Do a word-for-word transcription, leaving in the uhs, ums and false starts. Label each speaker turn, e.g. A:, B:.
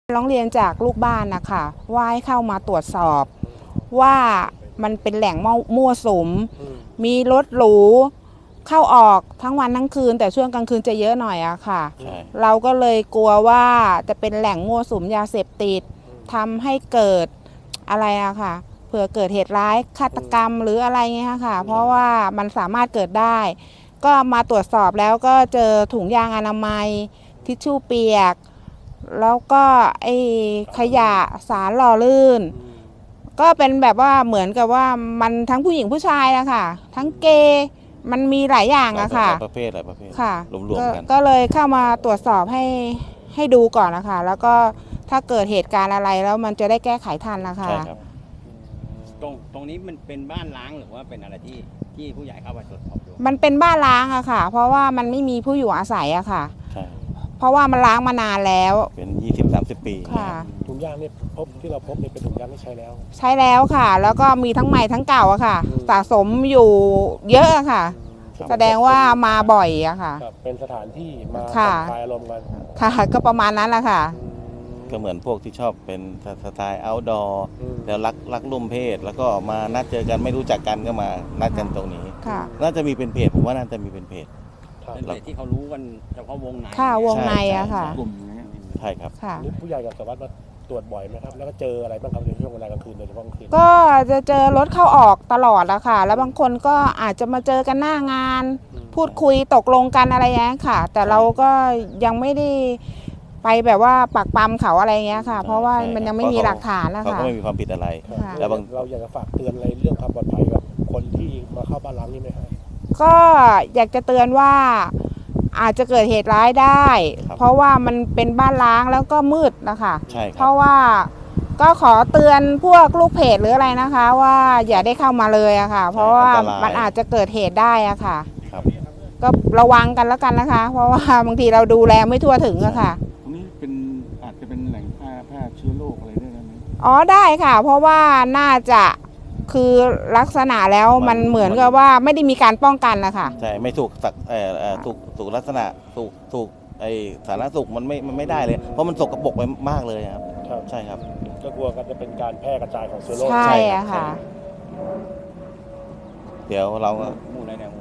A: ร้องเรียนจากลูกบ้านนะคะว่าให้เข้ามาตรวจสอบว่ามันเป็นแหล่งมั่วสุมมีรถหรูเข้าออกทั้งวันทั้งคืนแต่ช่วงกลางคืนจะเยอะหน่อยอะค่ะเราก็เลยกลัวว่าจะเป็นแหล่งมั่วสุมยาเสพติดทำให้เกิดอะไรอะค่ะเผื่อเกิดเหตุร้ายฆาตกรรมหรืออะไรเงี้ยค่ะเพราะว่ามันสามารถเกิดได้ก็มาตรวจสอบแล้วก็เจอถุงยางอนามัยทิชชู่เปียกแล้วก็ไอ้ขยะสารหล่อลื่นก็เป็นแบบว่าเหมือนกับว่ามันทั้งผู้หญิงผู้ชายอะค่ะทั้งเกย์มันมีหลายอย่างอะค่ะ
B: ประเภทหลายประเภท
A: ค่ะ
B: รวมๆกัน
A: ก็เลยเข้ามาตรวจสอบให้ให้ดูก่อนนะคะแล้วก็ถ้าเกิดเหตุการณ์อะไรแล้วมันจะได้แก้ไขทันนะคะ
B: ใช่ครับ
C: ตรงตรงนี้มันเป็นบ้านล้างหรือว่าเป็นอะไรที่ที่ผู้ใหญ่เข้าไปตรวจสอบดู
A: มันเป็นบ้านล้างอะค่ะเพราะว่ามันไม่มีผู้อยู่อาศัยอะค่ะ
B: ใช่
A: เพราะว่ามันล้างมานานแล้ว
B: เป็น ยี่สิบถึงสามสิบ ปี
A: ค่ะ
D: ถุงยางนี่พบที่เราพบนี่เป็นถุงยางที่ใช้แล้ว
A: ใช้แล้วค่ะแล้วก็มีทั้งใหม่ทั้งเก่าอะค่ะสะสมอยู่เยอะอะค่ะแสดงว่ามาบ่อยอะค่ะ
D: เป็นสถานที่มาผ่อนคลายอารมณ์กัน
A: ค่ะก็ประมาณนั้นแหละค่ะ
B: ก็เหมือนพวกที่ชอบเป็นสไตล์เอาท์ดอร์แล้วรักรักร่วมเพศแล้วก็มานัดเจอกันไม่รู้จักกันก็มานัดกันตรงนี้น่าจะมีเป็นเพจผมว่าน่าจะมีเป็นเพจ
C: เป็นเพจที่เขารู้กันเฉพาะวงใน
A: ค่ะวงในอะค่ะ
C: กลุ่ม
B: ใช่ครับ
D: นี่ผู้ใหญ่กับสารวัตรมาตรวจบ่อยไหมครับแล้วก็เจออะไรบ้างครับในช่วงเวลากลางคืนโดยเฉพาะกลางคืน
A: ก็จะเจอรถเข้าออกตลอดแล้วค่ะแล้วบางคนก็อาจจะมาเจอกันหน้างานพูดคุยตกลงกันอะไรอย่างนี้ค่ะแต่เราก็ยังไม่ได้ไปแบบว่าปักปั๊มเขาอะไรเงี้ยค่ะเพราะว่ามันยังไม่มีหลักฐานนะคะ
B: เขาก็ไม่มีความผิดอะไร
D: แล้วเราอยากจะฝากเตือนอะไรเรื่องความปลอดภัยกับคนที่มาเข้าบ้านล้างนี่ไหมครับ
A: ก็อยากจะเตือนว่าอาจจะเกิดเหตุร้ายได้เพราะว่ามันเป็นบ้านล้างแล้วก็มืดนะคะเพราะว่าก็ขอเตือนพวกลูกเพจหรืออะไรนะคะว่าอย่าได้เข้ามาเลยอะค่ะเพราะว่ามันอาจจะเกิดเหตุได้อะค่ะก็ระวังกันแล้วกันนะคะเพราะว่าบางทีเราดูแลไม่ทั่วถึงอะค่ะ
E: ตรงนี้เป็นอาจจะเป็นแหล่งแพร่แพร่เชื้อโรคอะไรได้ไหม
A: อ๋อได้ค่ะเพราะว่าน่าจะคือลักษณะแล้วมันเหมือนกับว่าไม่ได้มีการป้องกันนะคะ
B: ใช่ไม่ถูกสักเอ่อถูกถูกลักษณะถูกถูกไอสาธารณสุขมันไม่มันไม่ได้เลยเพราะมันสกปรกไปมากเลยครับใช่ครับ
D: ก็กลัวกันจะเป็นการแพร่กระจายของเชื้อโรค
A: ใช่ค่ะ
B: เดี๋ยวเราก็